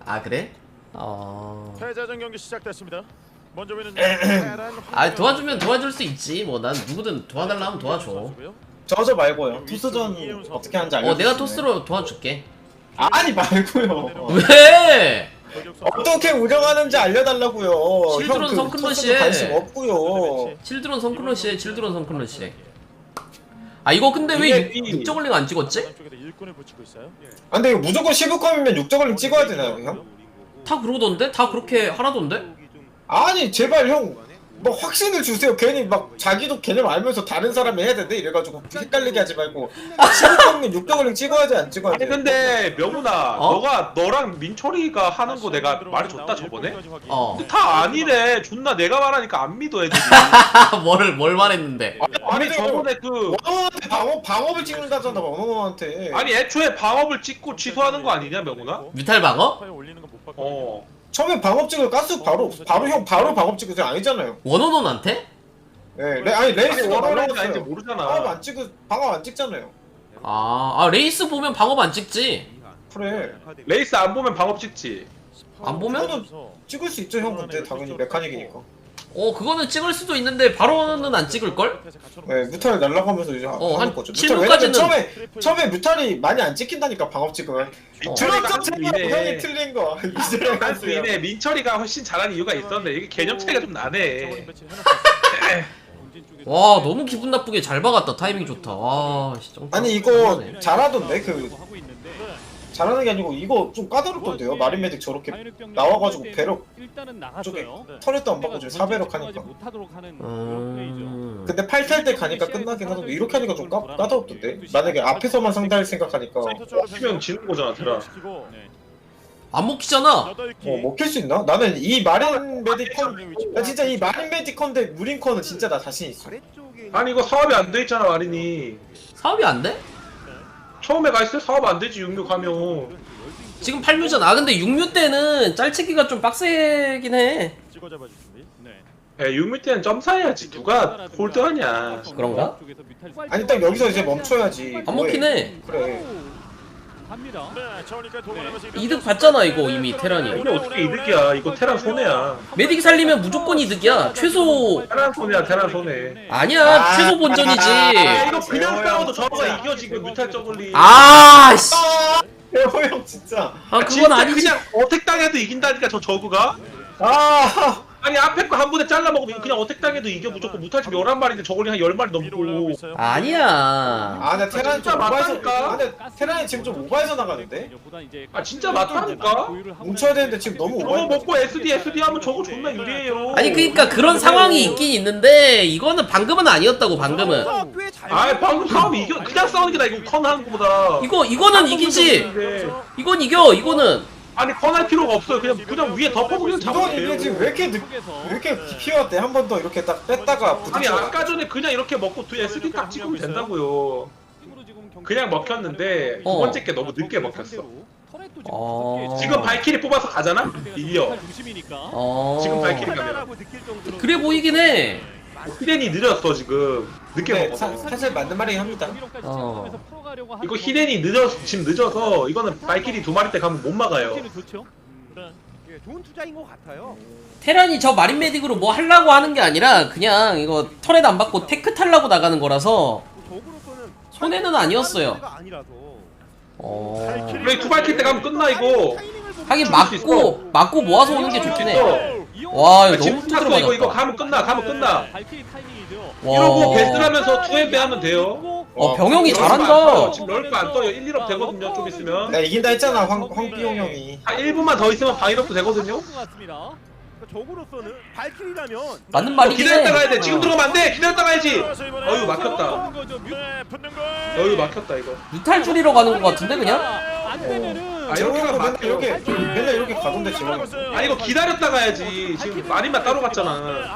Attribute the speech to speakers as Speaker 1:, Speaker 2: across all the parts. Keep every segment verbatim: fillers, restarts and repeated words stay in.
Speaker 1: 아 그래? 어.
Speaker 2: 패자전 경기 시작됐습니다. 먼저 보이는
Speaker 1: 아 도와주면 도와줄 수 있지. 뭐 난 누구든 도와달라 하면 도와줘.
Speaker 3: 저저 말고요. 토스전 어떻게 하는지 알려.
Speaker 1: 어 내가 토스로 도와줄게.
Speaker 3: 아니 말고요.
Speaker 1: 왜?
Speaker 3: 어떻게 운영하는지 알려달라고요.
Speaker 1: 실드론
Speaker 3: 형, 그
Speaker 1: 성큰러시에.
Speaker 3: 토스도 관심 없고요.
Speaker 1: 칠드론 성클러시에 칠드론 성클러시에. 아 이거 근데 왜
Speaker 3: 이게 이-
Speaker 1: 육저글링 안 찍었지?
Speaker 3: 아 근데 이거 무조건 십육컴이면 육저글링 찍어야 되나요, 형?
Speaker 1: 다 그러던데? 다 그렇게 하라던데?
Speaker 3: 아니 제발 형. 뭐 확신을 주세요. 괜히 막 자기도 개념 알면서 다른 사람이 해야 되는데 이래가지고 헷갈리게 하지 말고 십육컴이면 육저글링 찍어야지 안 찍어야 돼.
Speaker 4: 아니 근데 명훈아
Speaker 1: 어?
Speaker 4: 너가 너랑 민철이가 하는 거 내가 말해줬다 저번에?
Speaker 1: 어.
Speaker 4: 근데 다 아니래. 존나 내가 말하니까 안 믿어 애들이.
Speaker 1: 뭐를 뭘 말했는데?
Speaker 4: 아니 저번에 그
Speaker 3: 원어원한테 방어, 방어를 찍는다잖아, 원어원한테.
Speaker 4: 아니 애초에 방업을 찍고 취소하는 거 아니냐 명훈아?
Speaker 1: 뮤탈 방어?
Speaker 4: 어.
Speaker 3: 처음에 방업 찍을 가스 바로 바로 형 바로 방업 찍으세요. 아니잖아요.
Speaker 1: 원호논한테?
Speaker 3: 네, 레, 아니 레이스
Speaker 4: 레이스가
Speaker 3: 원어원
Speaker 4: 원어원이 아닌지
Speaker 3: 방업
Speaker 4: 모르잖아.
Speaker 3: 안 찍으 방업 안 찍잖아요.
Speaker 1: 아, 아 레이스 보면 방업 안 찍지.
Speaker 3: 그래.
Speaker 4: 레이스 안 보면 방업 찍지.
Speaker 1: 안 보면?
Speaker 3: 그거는 찍을 수 있죠, 형. 근데 당연히 메카닉이니까.
Speaker 1: 어 그거는 찍을 수도 있는데 바로는 안 찍을걸?
Speaker 3: 네, 뮤탈 날라가면서 이제
Speaker 1: 어,
Speaker 3: 하는
Speaker 1: 한
Speaker 3: 거죠.
Speaker 1: 칠
Speaker 3: 뮤탈
Speaker 1: 분까지는
Speaker 3: 왜냐면 처음에 처음에 뮤탈이 많이 안 찍힌다니까 방업 찍으면.
Speaker 4: 민철이가
Speaker 3: 들었죠,
Speaker 4: 한수
Speaker 3: 제가 형이
Speaker 4: 이네.
Speaker 3: 틀린 거. 이제
Speaker 4: 한수 이네. 민철이가 훨씬 잘하는 이유가 있었는데 이게 개념 차이가 좀 나네.
Speaker 1: 와 너무 기분 나쁘게 잘 박았다. 타이밍 좋다. 와 진짜.
Speaker 3: 아니 이거 잘하던데 그 잘하는 게 아니고 이거 좀 까다롭던데요. 마린 메딕 저렇게 나와가지고 배럭 쪽에 털에도 안 받고 지금 사배럭 하니까.
Speaker 1: 음...
Speaker 3: 근데 팔 탈 때 가니까 끝나긴 하던데 이렇게 하니까 좀 까, 까다롭던데. 만약에 앞에서만 상대할 생각하니까 어
Speaker 4: 먹히면 지는 거잖아 테라.
Speaker 1: 안 먹히잖아.
Speaker 3: 어, 먹힐 수 있나? 나는 이 마린 메디컨 나 진짜 이 마린 메디컨 대 무링컨은 진짜 나 자신 있어.
Speaker 4: 아니 이거 사업이 안 돼 있잖아 마린이.
Speaker 1: 사업이 안 돼?
Speaker 4: 처음에 갔을 때 사업 안 되지 육류 가면.
Speaker 1: 지금 팔 뮤잖아. 아 근데 육 뮤 때는 짤치기가 좀 빡세긴 해.
Speaker 4: 야 육류 때는 점사해야지. 누가 홀드하냐.
Speaker 1: 그런가?
Speaker 3: 아니 딱 여기서 이제 멈춰야지.
Speaker 1: 안 먹히네.
Speaker 3: 그래.
Speaker 1: 이득 봤잖아 이거 이미 테란이.
Speaker 4: 이게 어떻게 이득이야. 이거 테란 손해야.
Speaker 1: 메딕 살리면 무조건 이득이야. 최소
Speaker 4: 테란 손해야 테란 손해.
Speaker 1: 아니야
Speaker 3: 아,
Speaker 1: 최소 본전이지.
Speaker 4: 야 이거 그냥 싸워도 저거가 이겨 지금 뮤탈 저글리.
Speaker 1: 아 씨.
Speaker 3: 대호 형 진짜.
Speaker 1: 아
Speaker 4: 아,
Speaker 1: 그건
Speaker 4: 진짜
Speaker 1: 아니지.
Speaker 4: 그냥 어택 당해도 이긴다니까 저 저그가.
Speaker 3: 아.
Speaker 4: 아니 앞에 거 한 번에 잘라 먹으면 그냥 어택 당해도 이겨. 무조건 무탈 지금 열한 마리인데 저글리 한 열 마리 넘고.
Speaker 1: 아니야.
Speaker 3: 아, 나 테란이 좀
Speaker 4: 진짜
Speaker 3: 오바해서.
Speaker 4: 맞다니까?
Speaker 3: 아, 근데 테란이 지금 좀 오바해서 나가는데?
Speaker 4: 아 진짜 맞다니까.
Speaker 3: 뭉쳐야 되는데 지금 너무
Speaker 4: 저거
Speaker 3: 오바해.
Speaker 4: 먹고 에스디 에스디 하면 저거 존나 유리해요.
Speaker 1: 아니 그니까 그런 상황이 있긴 있는데 이거는 방금은 아니었다고 방금은.
Speaker 4: 아 방금 싸움 이겨. 그냥 싸우는 게 나 이거 컨 하는 거보다.
Speaker 1: 이거 이거는 이기지. 이건 이겨 이거는.
Speaker 4: 아니 컨할 필요가 없어요. 그냥 그냥 위에 덮어보면
Speaker 3: 이건
Speaker 4: 잡으면
Speaker 3: 이게
Speaker 4: 돼요.
Speaker 3: 지금 왜 이렇게 늦, 왜 이렇게 피어왔대? 한 번 더 이렇게 딱 뺐다가
Speaker 4: 아니
Speaker 3: 부딪혀.
Speaker 4: 아까 전에 그냥 이렇게 먹고 두 에스디 딱 찍으면 된다고요. 그냥 먹혔는데 두
Speaker 1: 어.
Speaker 4: 번째 게 너무 늦게 먹혔어.
Speaker 1: 어.
Speaker 4: 지금 발키리 뽑아서 가잖아? 이겨.
Speaker 1: 어.
Speaker 4: 지금 발키리 가면.
Speaker 1: 그래 보이긴 해.
Speaker 4: 히덴이 느렸어 지금. 늦게
Speaker 3: 네,
Speaker 4: 먹어서.
Speaker 3: 사, 사실 맞는 말이긴 합니다.
Speaker 1: 어.
Speaker 4: 이거 히덴이 늦어서 지금 늦어서 이거는 발키리 두 마리 때 가면 못 막아요.
Speaker 5: 좋은 투자인 것 같아요.
Speaker 1: 테란이 저 마린 메딕으로 뭐 하려고 하는 게 아니라 그냥 이거 터렛 안 받고 테크 타려고 나가는 거라서 손해는 아니었어요. 어.
Speaker 4: 그래 두 발킬 때 가면 끝나 이거.
Speaker 1: 하긴
Speaker 4: 죽을 수
Speaker 1: 맞고 맞고 모아서 오는 게 좋긴 해.
Speaker 4: 어.
Speaker 1: 와 이거
Speaker 4: 지금
Speaker 1: 너무
Speaker 4: 탔어
Speaker 1: 두드러
Speaker 4: 이거 이거
Speaker 1: 맞았다.
Speaker 4: 가면 끝나 가면 끝나.
Speaker 1: 와.
Speaker 4: 이러고 베스트하면서 투엠배 하면 돼요.
Speaker 1: 어 병영이
Speaker 4: 럴프 안 떠요.
Speaker 1: 잘한다.
Speaker 4: 지금 럴프 안 떠요. 일, 일업 되거든요 좀 있으면.
Speaker 3: 나 이긴다 했잖아, 황, 황비용 형이.
Speaker 4: 한 일 분만 더 있으면 방일업도 되거든요.
Speaker 5: 적으로서는 발키리라면
Speaker 1: 맞는
Speaker 4: 어,
Speaker 1: 말이긴
Speaker 4: 기다렸다
Speaker 1: 해.
Speaker 4: 가야 돼. 지금 들어가면 안 돼. 기다렸다 가야지. 어휴 막혔다. 어휴 막혔다 이거.
Speaker 1: 유탈 줄이러 가는 것 같은데 그냥?
Speaker 4: 아
Speaker 3: 재호
Speaker 4: 이렇게
Speaker 3: 형도
Speaker 4: 가면
Speaker 3: 맨날
Speaker 4: 막혀.
Speaker 3: 이렇게, 맨날 이렇게 가던데, 재호 형.
Speaker 4: 아 이거 기다렸다 가야지. 지금 마린만 따로 갔잖아.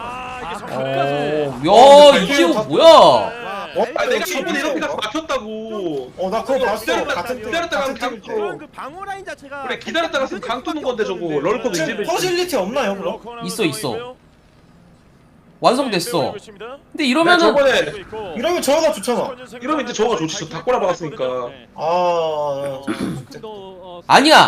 Speaker 1: 어. 야 이지호 뭐야?
Speaker 3: 어?
Speaker 4: 아 내가
Speaker 3: 지금
Speaker 4: 저번에 이렇게
Speaker 3: 이거-
Speaker 4: 가서 막혔다고.
Speaker 3: 어, 나 그거 봤어.
Speaker 4: 기다렸다-
Speaker 3: 같은 팀.
Speaker 4: 기다렸다
Speaker 3: 같은
Speaker 4: 가면
Speaker 3: 팀 거.
Speaker 5: 그 방어 라인 자체가
Speaker 4: 그래 기다렸다 갔으면 강 뜨는 건데 저거 럴커도 이제
Speaker 3: 지금 퍼실리티 없나요, 그럼?
Speaker 1: 있어, 있어. 완성됐어. 근데
Speaker 4: 나
Speaker 1: 이러면은
Speaker 4: 저번에
Speaker 3: 이러면 저거가 좋잖아.
Speaker 4: 이러면 이제 저거가 좋지. 저 다 꼬라박았으니까.
Speaker 3: 아,
Speaker 1: 아니야.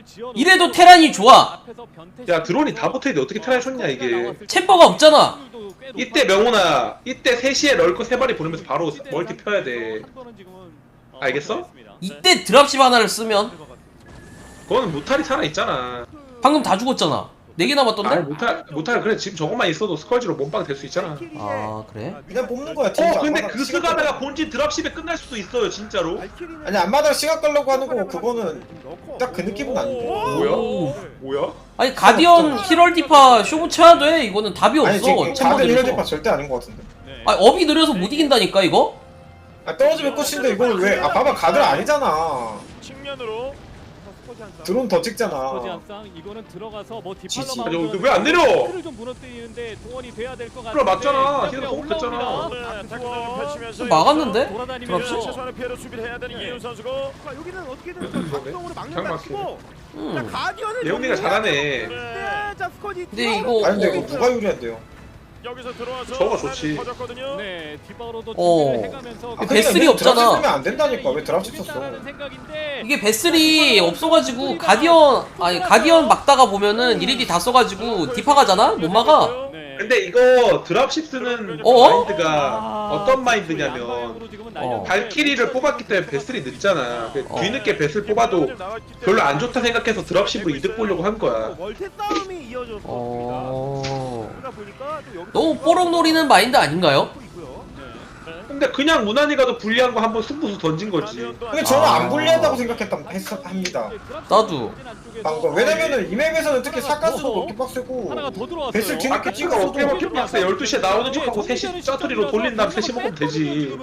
Speaker 1: 이래도 테란이 좋아.
Speaker 4: 야 드론이 다 붙어있는데 어떻게 테란이 줬냐 이게.
Speaker 1: 챔버가 없잖아.
Speaker 4: 이때 명훈아 이때 세 시에 럴거 세 마리 보내면서 바로 멀티 펴야 돼. 알겠어?
Speaker 1: 이때 드랍십 하나를 쓰면
Speaker 4: 그거는 무탈이 살아있잖아.
Speaker 1: 방금 다 죽었잖아. 네 개 남았던데?
Speaker 4: 아니 무탈 무탈 그래 지금 저것만 있어도 스컬지로 몸빵 될 수 있잖아.
Speaker 1: 아 그래?
Speaker 3: 그냥 뽑는 거야.
Speaker 4: 어
Speaker 3: 진짜.
Speaker 4: 근데
Speaker 3: 앞마당
Speaker 4: 그
Speaker 3: 시간
Speaker 4: 스가다가 본진 드랍십에 끝날 수도 있어요 진짜로.
Speaker 3: 끌- 아니 앞마당 시간 끌려고 하는 거 그거는 딱 그 느낌은 아닌데.
Speaker 4: 뭐야? 뭐야?
Speaker 1: 아니 가디언 히럴디파 쇼부 쳐야 돼. 이거는 답이
Speaker 3: 아니
Speaker 1: 없어.
Speaker 3: 지금 다들
Speaker 1: 챔버들이.
Speaker 3: 힐러디파 절대 아닌 것 같은데.
Speaker 1: 아니 업이 느려서 못 이긴다니까 이거?
Speaker 3: 아 떨어지면 끝인데 이걸 왜? 아 봐봐 가들 아니잖아.
Speaker 2: 측면으로
Speaker 3: 드론 더 찍잖아.
Speaker 6: 거지한상 이거는 들어가서 뭐
Speaker 3: 지지.
Speaker 6: 디팔로
Speaker 4: 아니,
Speaker 6: 막으면
Speaker 4: 왜안 내려?
Speaker 6: 틀을 좀 무너뜨리는데 도원이 돼야 될 것 같은데.
Speaker 4: 그래, 맞잖아.
Speaker 6: 그냥
Speaker 4: 걔가
Speaker 6: 올라옵니다.
Speaker 4: 공격했잖아.
Speaker 2: 네, 타격을 펼치면서
Speaker 1: 막았는데?
Speaker 6: 돌아다니면서
Speaker 2: 최소한의 피해를 수비를 해야 되는 이윤 선수고.
Speaker 5: 자, 여기는 어떻게든 작동으로 막는다
Speaker 4: 그냥
Speaker 5: 치고 자
Speaker 1: 음.
Speaker 5: 가디언을
Speaker 4: 예훈이가 잘하네.
Speaker 5: 네, 자 스쿼지.
Speaker 1: 근데 이거-
Speaker 3: 아니 근데 이거 누가 유리한데요?
Speaker 2: 여기서 들어와서
Speaker 4: 저거 좋지.
Speaker 2: 터졌거든요.
Speaker 6: 네 뒷방으로도
Speaker 1: 어.
Speaker 6: 준비를 해가면서
Speaker 3: 아,
Speaker 1: 베슬이
Speaker 3: 그러니까
Speaker 1: 없잖아.
Speaker 3: 드랍 쓰면 안 된다니까. 왜 드랍 썼어?
Speaker 6: 있다라는 생각인데
Speaker 1: 이게 베슬이 없어가지고 가디언 아니 가디언 막다가 보면은 이리디 다 써가지고 디파 가잖아? 못 막아.
Speaker 6: 네.
Speaker 4: 근데 이거 드랍십 쓰는
Speaker 1: 어?
Speaker 4: 마인드가
Speaker 6: 아,
Speaker 4: 어떤 마인드냐면
Speaker 6: 양방향으로 지금은
Speaker 1: 어.
Speaker 6: 날렸는데
Speaker 4: 발키리를 뽑았기 때문에 베슬이 늦잖아. 그
Speaker 1: 어.
Speaker 4: 뒤늦게 베슬 뽑아도 별로 안 좋다 생각해서 드랍십으로 이득 보려고 한 거야.
Speaker 5: 멀티 싸움이 이어졌습니다.
Speaker 1: 어...
Speaker 5: 그러다 보니까 또 여기서
Speaker 1: 너무 뽀록 노리는 마인드 아닌가요?
Speaker 5: 있고요.
Speaker 4: 근데 그냥 무난히 가도 불리한 거 한번 승부수 던진 거지.
Speaker 3: 근데 저는
Speaker 1: 아.
Speaker 3: 안 불리하다고 생각했다 했, 합니다.
Speaker 1: 나도.
Speaker 3: 방금 왜냐면은 이 맵에서는 특히 사가스도 그렇게 빡세고
Speaker 6: 하나가 더 들어왔어요.
Speaker 3: 베슬 뒤늦게
Speaker 4: 아까
Speaker 3: 찍어서
Speaker 4: 찍어 어깨 먹기 빡세. 열두 시에 나오는 척하고 세 시 짜투리로 돌린 다음 세 시 먹으면 되지.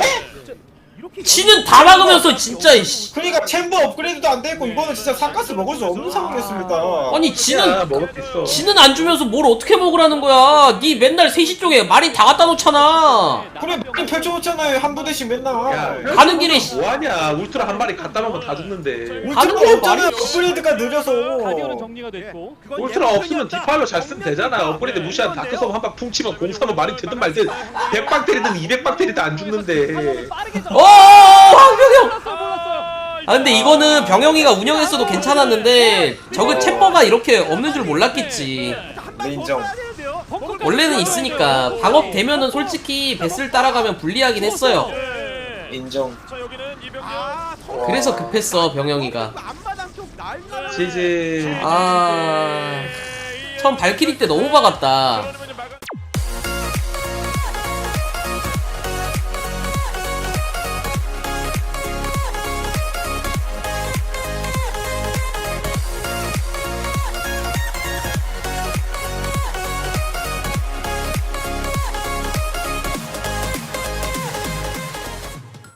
Speaker 5: 이렇게
Speaker 1: 지는 다 막으면서 진짜 이씨.
Speaker 3: 그러니까 챔버 업그레이드도 안 되고 이거는 진짜 사가스 먹을 수 없는 상황이었습니다.
Speaker 1: 아니
Speaker 4: 야,
Speaker 1: 지는
Speaker 4: 먹을 수 있어.
Speaker 1: 지는 안 주면서 뭘 어떻게 먹으라는 거야? 니 맨날 세 시 쪽에 마린 다 갖다 놓잖아.
Speaker 3: 그래 많이 펼쳐놓잖아요 한 부대씩 맨날.
Speaker 4: 야,
Speaker 1: 가는 길에 씨.
Speaker 4: 뭐하냐? 울트라 한 마리 갖다 놓으면 다 죽는데.
Speaker 1: 가는
Speaker 3: 울트라
Speaker 1: 길에
Speaker 3: 없잖아요.
Speaker 1: 말이-
Speaker 3: 업그레이드가 늦어서.
Speaker 6: 가디언은 정리가 됐고
Speaker 5: 그건
Speaker 4: 울트라
Speaker 5: 예상이
Speaker 4: 없으면
Speaker 5: 없다.
Speaker 4: 디팔로 잘 쓰면 되잖아. 업그레이드 무시한 다크섬 한방 퉁치면 공사면 말이 되든 말든 백 방 때리든 이백 방 때리든 안 죽는데.
Speaker 6: 빠르게
Speaker 1: 어 황병영.
Speaker 6: 몰랐어요.
Speaker 1: 아 근데 이거는 병영이가 운영했어도 괜찮았는데 저그 챔버가 이렇게 없는 줄 몰랐겠지.
Speaker 3: 네, 인정.
Speaker 1: 원래는 있으니까 방업 되면은 솔직히 베슬 따라가면 불리하긴 했어요.
Speaker 3: 인정.
Speaker 2: 자 여기는 이병렬.
Speaker 5: 아,
Speaker 1: 그래서 급했어 병영이가.
Speaker 5: 앞마당 쪽 날라라.
Speaker 4: 지지.
Speaker 1: 아 처음 발키리 때 너무 박았다.